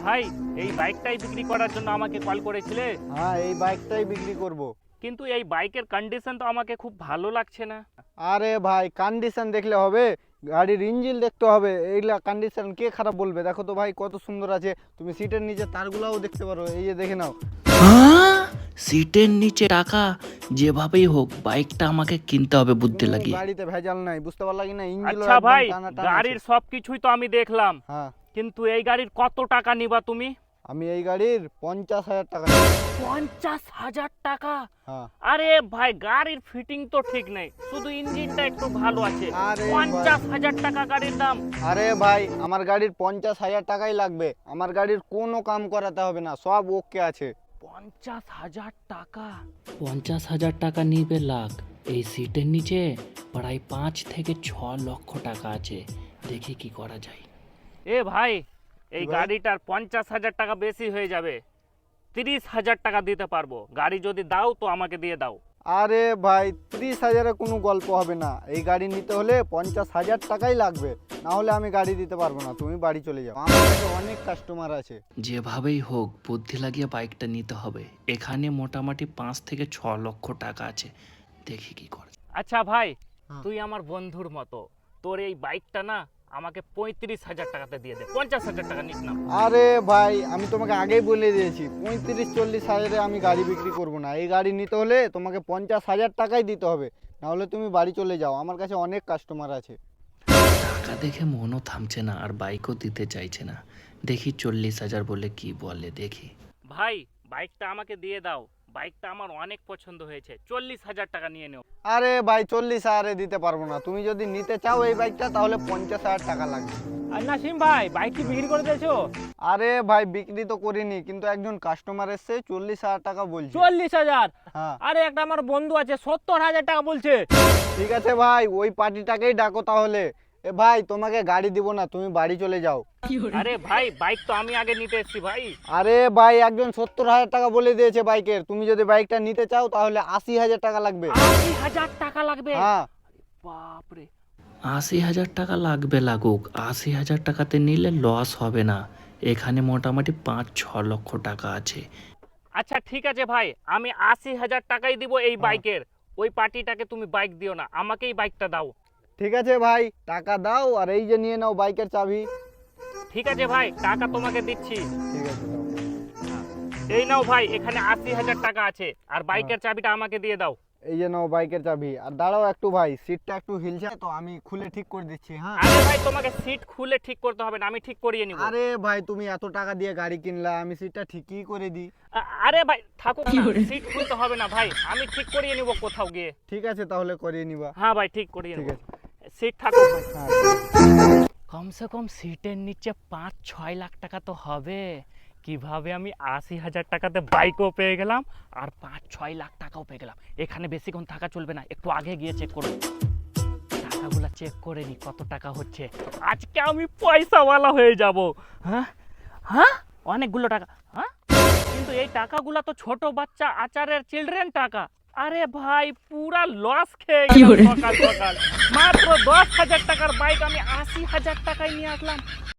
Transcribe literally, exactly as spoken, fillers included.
ভাই, এই বাইকটাই বিক্রি করার জন্য আমাকে কল করেছিলে? হ্যাঁ, এই বাইকটাই বিক্রি করব। কিন্তু এই বাইকের কন্ডিশন তো আমাকে খুব ভালো লাগছে না। আরে ভাই, কন্ডিশন দেখলে হবে? গাড়ির ইঞ্জিন দেখতে হবে। এইগুলা কন্ডিশন কে খারাপ বলবে? দেখো তো ভাই কত সুন্দর আছে। তুমি সিটের নিচে তারগুলাও দেখতে পারো, এই যে দেখে নাও। হ্যাঁ, সিটের নিচে টাকা। যেভাবেই হোক বাইকটা আমাকে কিনতে হবে বুদ্ধি কোনো লাগিয়ে। গাড়িতে ভেজাল নাই, বুঝতে পারলা কি না? ইঞ্জিন আচ্ছা ভাই, টানা টানা গাড়ির আছে। সবকিছুই তো আমি দেখলাম, হ্যাঁ, কিন্তু এই গাড়ির কত টাকা নিবা তুমি? আমি এই গাড়ির পঞ্চাশ হাজার টাকা নেব। পঞ্চাশ হাজার টাকা? হ্যাঁ। আরে ভাই, গাড়ির ফিটিং তো ঠিক নেই, শুধু ইঞ্জিনটা একটু ভালো আছে। আরে ভাই। পঞ্চাশ হাজার টাকা গাড়ির দাম? আরে ভাই, আমার গাড়ির পঞ্চাশ হাজার টাকাই লাগবে। আমার গাড়ির কোনো কাম করাতে হবে না, সব ওকে আছে। পঞ্চাশ হাজার টাকা? পঞ্চাশ হাজার টাকা নিবে লাখ। এই সিটের নিচে প্রায় পাঁচ থেকে ছ লক্ষ টাকা আছে। দেখি কি করা যায়। এ ভাই, এই ভাই? গাড়িটার পঞ্চাশ হাজার টাকা বেশি হয়ে যাবে। তিরিশ হাজার টাকা দিতে পারবো। গাড়ি যদি দাও তো আমাকে দিয়ে দাও। আরে ভাই, ত্রিশ হাজারে কোনো গল্প হবে না। এই গাড়ি নিতে হলে পঞ্চাশ হাজার টাকাই লাগবে, না হলে আমি গাড়ি দিতে পারবো না। তুমি বাড়ি চলে যাও, আমার কাছে অনেক কাস্টমার আছে। যেভাবেই হোক বুদ্ধি লাগিয়ে বাইকটা নিতে হবে। এখানে মোটামুটি পাঁচ থেকে ছ লক্ষ টাকা আছে। দেখি কি করে। আচ্ছা ভাই, হ্যাঁ। তুই আমার বন্ধুর মতো, তোর এই বাইকটা না আমাকে পঁয়ত্রিশ হাজার টাকাতে দিয়ে দে। পঞ্চাশ হাজার টাকা নিস না। আরে ভাই, আমি তোমাকে আগেই বলে দিয়েছি, পঁয়ত্রিশ চল্লিশ হাজারে আমি গাড়ি বিক্রি করব না। এই গাড়ি নিতে হলে তোমাকে পঞ্চাশ হাজার টাকাই দিতে হবে, না হলে তুমি বাড়ি চলে যাও। আমার কাছে অনেক কাস্টমার আছে। টাকা দেখে মনও থামছে না আর বাইকও দিতে চাইছে না। দেখি চল্লিশ হাজার বলে কি বলে দেখি। ভাই, বাইকটা আমাকে দিয়ে দাও। বাইকটা আমার অনেক পছন্দ হয়েছে। চল্লিশ হাজার টাকা নিয়ে নেও। আরে ভাই, চল্লিশ হাজারে দিতে পারবো না। তুমি যদি নিতে চাও এই বাইকটা, তাহলে পঞ্চাশ হাজার টাকা লাগবে। আর নাসিম ভাই, বাইক কি বিক্রি করে দিয়েছো? আরে ভাই, বিক্রি তো করিনি, কিন্তু একজন কাস্টমার এসছে, চল্লিশ হাজার টাকা বলছে। চল্লিশ হাজার? হ্যাঁ। আরে একটা আমার বন্ধু আছে, সত্তর হাজার টাকা বলছে। ঠিক আছে ভাই, ওই পার্টিটাকেই ডাকো তাহলে। এ ভাই, তোমাকে গাড়ি দিব না, তুমি বাড়ি চলে যাও। আরে ভাই, বাইক তো আমি আগে নিতে এসেছি ভাই। আরে ভাই, একজন সত্তর হাজার টাকা বলে দিয়েছে বাইকের। তুমি যদি বাইকটা নিতে চাও তাহলে আশি হাজার টাকা লাগবে। আশি হাজার টাকা লাগবে? হ্যাঁ। বাপরে। আশি হাজার টাকা লাগবে লাগুক, আশি হাজার টাকাতে নিলে লস হবে না। এখানে মোটামুটি পাঁচ ছ লক্ষ টাকা আছে। আচ্ছা ঠিক আছে ভাই, আমি আশি হাজার টাকাই দিব এই বাইকের। ওই পার্টিটাকে তুমি বাইক দিও না, আমাকেই বাইকটা দাও। ঠিক আছে ভাই, টাকা দাও আর এই যে নিয়ে নাও বাইকের চাবি। ঠিক আছে ভাই, টাকা তোমাকে দিচ্ছি। ঠিক আছে, দাও। এই নাও ভাই, এখানে আশি হাজার টাকা আছে, আর বাইকের চাবিটা আমাকে দিয়ে দাও। এই যে নাও বাইকের চাবি। আর দাঁড়াও একটু ভাই, সিটটা একটু হিলছে তো, আমি খুলে ঠিক করে দিচ্ছি। হ্যাঁ। আরে ভাই, তোমাকে সিট খুলে ঠিক করতে হবে না, আমি ঠিক করিয়ে নিব। আরে ভাই, তুমি এত টাকা দিয়ে গাড়ি কিনলা, আমি সিটটা ঠিকই করে দিই। আ- আরে ভাই থাকুক না, সিট খুলতে হবে না ভাই, আমি ঠিক করিয়ে নিব কোথাও গিয়ে। ঠিক আছে, তাহলে করিয়ে নিবা। হ্যাঁ ভাই, ঠিক করিয়ে ঠিক নিব। আছে। সিট থাকুক ভাই। হ্যাঁ। কমসে কম সিটের নিচে পাঁচ ছয় লাখ টাকা তো হবে। কিভাবে আমি আশি হাজার টাকাতে বাইকও পেয়ে গেলাম আর পাঁচ ছয় লাখ টাকাও পেয়ে গেলাম। এখানে বেশিক্ষণ থাকা চলবে না, একটু আগে গিয়ে চেক করব। টাকাগুলো চেক করে নি কত টাকা হচ্ছে। আজকে আমি পয়সাওয়ালা হয়ে যাব। হ্যাঁ হ্যাঁ, অনেকগুলো টাকা। হ্যাঁ, কিন্তু এই টাকাগুলো তো ছোট বাচ্চা আচারের চিলড্রেন টাকা। আরে ভাই, পুরা লস খেয়ে গেলাম সকাল সকাল। মাত্র দশ হাজার টাকার বাইক আমি আশি হাজার টাকায় নিয়ে আসলাম।